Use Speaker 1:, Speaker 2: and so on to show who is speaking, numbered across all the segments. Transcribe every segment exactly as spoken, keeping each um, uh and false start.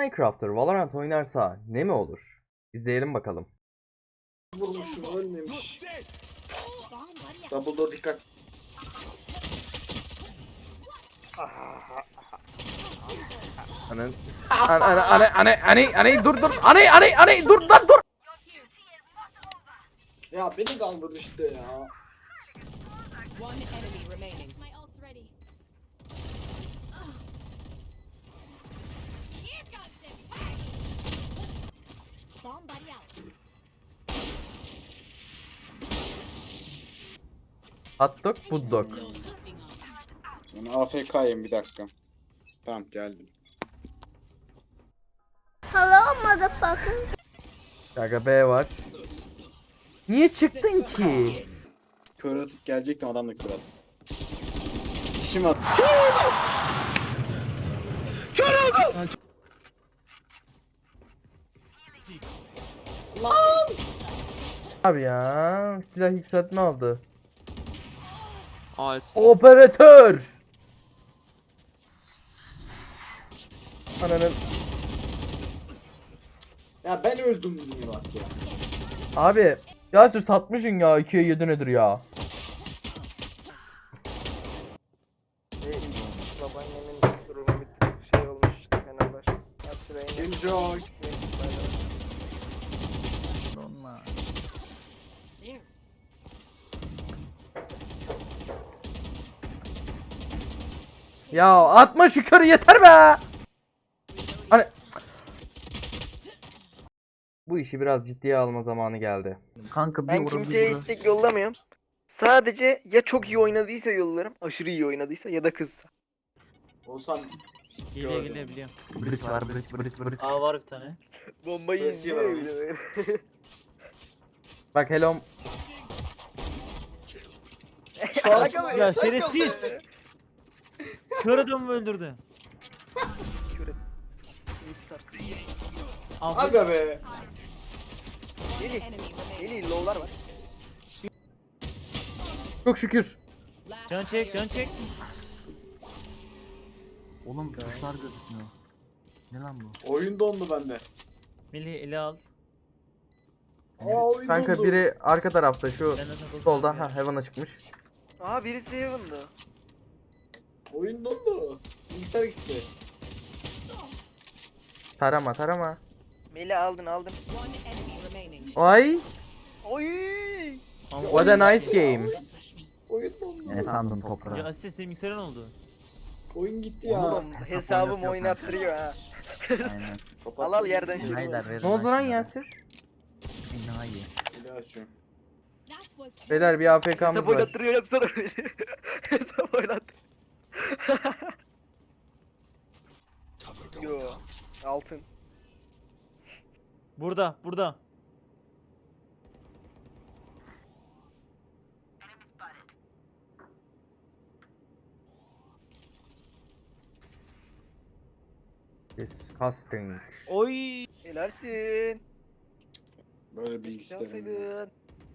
Speaker 1: Minecraft'ır Valorant oynarsa ne mi olur? İzleyelim bakalım.
Speaker 2: Vurmuşum, ölmemiş. Double door dikkat.
Speaker 1: Anan an an an an an an dur dur an an an dur lan dur.
Speaker 2: Ya beni kaldırdı işte ya.
Speaker 3: One enemy remaining.
Speaker 4: My ult's ready. Here comes the party. Bomb buddy out.
Speaker 1: Hot dog, bud dog.
Speaker 2: Ben A F K'yim bir dakika. Tamam geldim.
Speaker 5: Hello motherfucker.
Speaker 1: Gaga B var. Niye çıktın ki?
Speaker 2: Kör atıp gelecektim, adam da kör attı. İşim at. Kör oldu! Lan!
Speaker 1: Abi ya silah yükseltme aldı.
Speaker 6: I see.
Speaker 1: Operatör. Ananın.
Speaker 2: Ya ben öldüm yine bak ya.
Speaker 1: Abi Yasir satmışsın ya ikiye yedi nedir ya?
Speaker 7: Babaannemin durumu bir tık şey olmuş işte Fenerbahçe. Hatırlayın.
Speaker 2: Enjoy.
Speaker 4: There.
Speaker 1: Ya atma şu körü yeter be. Hani bu işi biraz ciddiye alma zamanı geldi.
Speaker 8: Kanka bir
Speaker 7: Ben
Speaker 8: vurun, bir
Speaker 7: kimseye
Speaker 8: vurun.
Speaker 7: istek yollamıyorum. Sadece ya çok iyi oynadıysa yollarım, aşırı iyi oynadıysa ya da kızsa.
Speaker 2: Olsam
Speaker 6: Geliyor
Speaker 2: Gördüm.
Speaker 6: geliyor biliyorum.
Speaker 8: Bridge var, bridge, bridge, bridge.
Speaker 6: Aa var bir tane.
Speaker 7: Bombayı
Speaker 2: Messi
Speaker 7: izliyor
Speaker 2: var
Speaker 7: bir de böyle.
Speaker 1: Bak hello.
Speaker 7: Alakalı-
Speaker 6: Ya
Speaker 7: alakalı
Speaker 6: şerefsiz.
Speaker 7: böyle.
Speaker 6: Kör adamı öldürdü.
Speaker 7: Şöyle. iyi tutarsın.
Speaker 6: Alfa.
Speaker 2: aga be.
Speaker 7: Deli,
Speaker 3: Enemy remaining.
Speaker 7: deli low'lar var.
Speaker 1: Çok şükür.
Speaker 3: Last
Speaker 6: Can çek can çek.
Speaker 8: Oğlum tuşlar gözükmüyor. Ne lan bu?
Speaker 2: Oyun dondu bende.
Speaker 6: Melih eli al.
Speaker 2: Aa oyun
Speaker 1: Kanka
Speaker 2: dondu.
Speaker 1: biri arka tarafta şu
Speaker 6: Ben de sana
Speaker 1: solda
Speaker 6: bakıyorum
Speaker 1: ha Heaven'a çıkmış.
Speaker 7: Aa birisi Heaven'da.
Speaker 2: Oyun dondu. Bilgisayar gitti.
Speaker 1: Tarama tarama.
Speaker 7: Meli aldın aldın.
Speaker 3: One enemy remaining.
Speaker 1: Ay
Speaker 7: Oy!
Speaker 6: Ama
Speaker 1: what a nice game.
Speaker 2: Oyun dondu.
Speaker 8: Ne sandın
Speaker 6: ya
Speaker 8: toprağı?
Speaker 6: Asya senin bilgisayarın oldu.
Speaker 2: Oyun gitti ya.
Speaker 7: Oğlum
Speaker 8: hesap
Speaker 7: hesabım
Speaker 8: oynatıyor
Speaker 7: oynattırıyor ha.
Speaker 8: Aynen.
Speaker 7: Al al yerden şunu.
Speaker 8: Beyler verin
Speaker 1: Ne oldu lan
Speaker 8: şunları.
Speaker 1: Yasir?
Speaker 8: Enayi.
Speaker 2: Bir daha açıyorum.
Speaker 4: That was
Speaker 1: Beyler bir A F K'mız
Speaker 7: Hesap
Speaker 1: var.
Speaker 7: oynattırıyor yapsana. Hesap oynattırıyor. Yo. Altın.
Speaker 6: Burada burada.
Speaker 1: Disgusting.
Speaker 6: Oy.
Speaker 7: Helalsin.
Speaker 2: Böyle bilgi istemiyorum.
Speaker 7: Yapsaydın.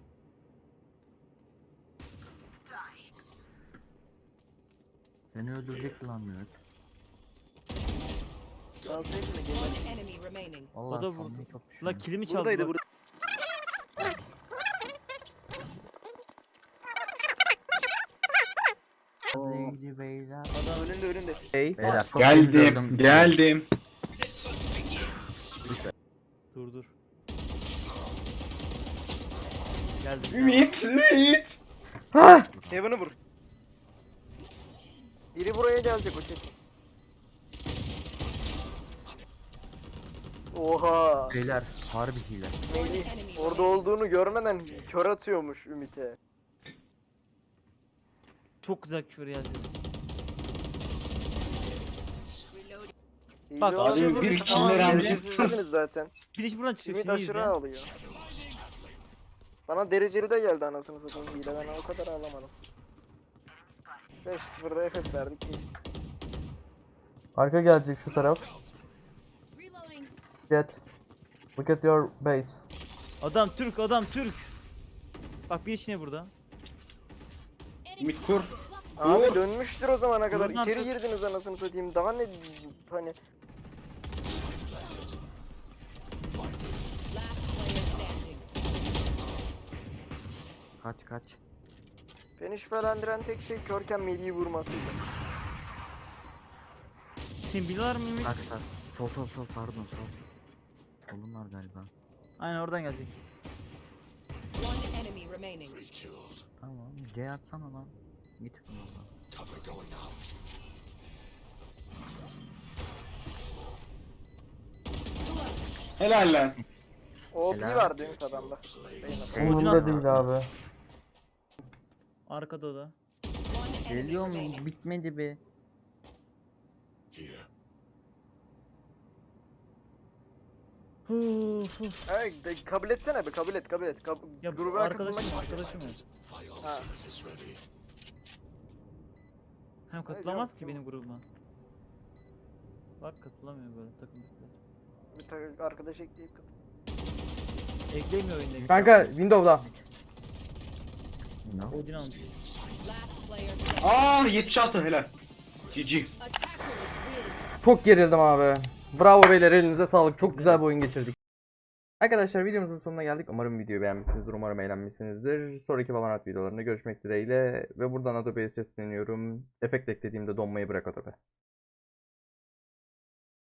Speaker 8: Seni öldürecek lan Mehmet.
Speaker 7: Yapsaydın da gel.
Speaker 3: One enemy remaining.
Speaker 8: Vallahi
Speaker 6: O da
Speaker 8: sandım
Speaker 6: vurdu.
Speaker 8: çok
Speaker 6: La
Speaker 8: düşünüyorum.
Speaker 6: kilimi çaldı.
Speaker 7: Buradaydı
Speaker 6: bak.
Speaker 7: burada.
Speaker 8: Lady beyler.
Speaker 7: Adam önünde önünde.
Speaker 1: Hey.
Speaker 8: Beyler çok temiz öldüm.
Speaker 2: geldim.
Speaker 6: Dur dur. Geldim.
Speaker 2: Ümit, Ümit.
Speaker 1: Ah!
Speaker 7: Heaven'ı vur. Biri buraya gelecek o çek. Oha.
Speaker 8: Beyler harbi hile.
Speaker 7: Melih orada olduğunu görmeden kör atıyormuş Ümit'e.
Speaker 6: Çok güzel küfür yazdı.
Speaker 7: İyi
Speaker 6: Bak,
Speaker 7: de
Speaker 6: abi
Speaker 7: oldu.
Speaker 6: bir
Speaker 7: Tamam,
Speaker 6: killer aldı.
Speaker 7: derecesizsiniz zaten.
Speaker 6: Bir iş buradan çıkacak.
Speaker 7: Ümit
Speaker 6: Şimdi
Speaker 7: aşırı
Speaker 6: izle.
Speaker 7: ağlıyor. Bana dereceli de geldi anasını satayım hile, ben o kadar ağlamadım. beş sıfırda F F verdik geçtik.
Speaker 1: Arka gelecek şu taraf.
Speaker 4: reloading.
Speaker 1: Get. Look at your base.
Speaker 6: Adam Türk adam Türk. Bak bir iş ne burada?
Speaker 2: Ümit kur.
Speaker 7: Abi dönmüştür o zamana kadar.
Speaker 6: Buradan
Speaker 7: İçeri
Speaker 6: tut.
Speaker 7: girdiniz anasını satayım. Daha ne hani
Speaker 8: Kaç kaç.
Speaker 7: Beni şüphelendiren tek şey körken Melih'i vurmasıydı.
Speaker 6: Şimdi biliyorlar mı Ümit?
Speaker 8: Kaç kaç. Sol sol sol pardon sol. Solun var galiba.
Speaker 6: Aynen oradan gelecek.
Speaker 3: One enemy remaining.
Speaker 8: Tamam. C atsana lan. Git bundan.
Speaker 2: Helal lan.
Speaker 7: O P
Speaker 8: Helal.
Speaker 7: vardı Ümit adamda. Beyin
Speaker 8: Umurumda değil
Speaker 1: abi.
Speaker 6: Arkada o da.
Speaker 3: One enemy
Speaker 8: Geliyor mu?
Speaker 3: remaining.
Speaker 8: Bitmedi be.
Speaker 6: Uf uf.
Speaker 7: Ay, de, kabul etsene be kabul et kabul et. Kab
Speaker 6: Ya
Speaker 7: grubuna
Speaker 6: arkadaşım
Speaker 7: katılmak
Speaker 6: arkadaşım ya.
Speaker 7: Ha.
Speaker 6: Hem katılamaz ki benim grubuma. Bak katılamıyor böyle takım.
Speaker 7: Bir ta- arkadaş ekleyip katıl.
Speaker 6: Eklemiyor oyunda.
Speaker 1: Kanka Windows'da.
Speaker 8: No.
Speaker 6: Odin almış.
Speaker 3: Last player standing.
Speaker 9: Aa yetmiş altı helal. G G.
Speaker 3: Attackers win.
Speaker 1: Çok gerildim abi. Bravo beyler, elinize sağlık. Çok güzel bir oyun geçirdik. Arkadaşlar videomuzun sonuna geldik. Umarım videoyu beğenmişsinizdir. Umarım eğlenmişsinizdir. Sonraki Valorant videolarında görüşmek dileğiyle. Ve buradan Adobe'ye sesleniyorum. Efekt eklediğimde donmayı bırak Adobe.